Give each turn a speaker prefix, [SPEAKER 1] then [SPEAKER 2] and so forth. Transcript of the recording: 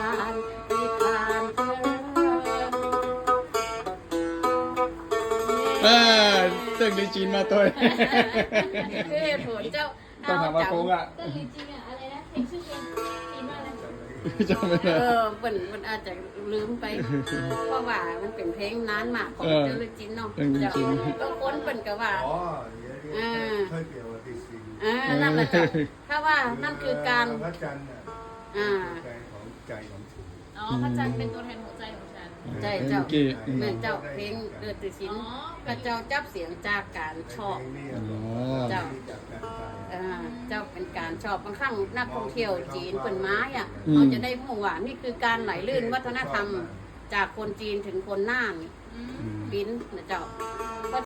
[SPEAKER 1] านนิทาน
[SPEAKER 2] ตึ้งลีจีนมาตัว
[SPEAKER 1] คือเหตุผลเจ้า
[SPEAKER 2] ต้องถามว่าโค้งอ่ะ
[SPEAKER 3] ก็จริงๆอ่ะอะไรนะเพลงชื่อเพลงจีนว่าอะไร
[SPEAKER 2] จำไม่ได้
[SPEAKER 1] มันอาจจะลืมไป เพราะว่ามันเป็นเพลงนานมากของเจ้าลิจินเนาะก็ค้นเป็นกับว่า
[SPEAKER 4] อ๋อเดี๋ยวค่อยเกี่ยวกับตีสิง
[SPEAKER 1] นั่นแหละจ้ะถ้าว่านั่นคือการ
[SPEAKER 4] พระจันทร์น่ะ ใจของใจของฉัน
[SPEAKER 3] อ๋อพระจันทร์เป็นตัวแทนหัวใจของฉัน
[SPEAKER 1] ใจเจ้า
[SPEAKER 2] กี้
[SPEAKER 1] เหมือนเจ้าเพลงเดือดติชินก็เจ้าจับเสียงจากการชอบ เจ้า
[SPEAKER 4] จากการตาย
[SPEAKER 1] เจ้าเป็นการชอบบางครั้งนักท่องเที่ยวจีนเป็นไม้อ่ะเขาจะได้รู้ว่านี่คือการไหลลื่นวัฒนธรรมจากคนจีนถึงคนน่าน
[SPEAKER 3] อืม
[SPEAKER 1] ปิ้นนะเจ้า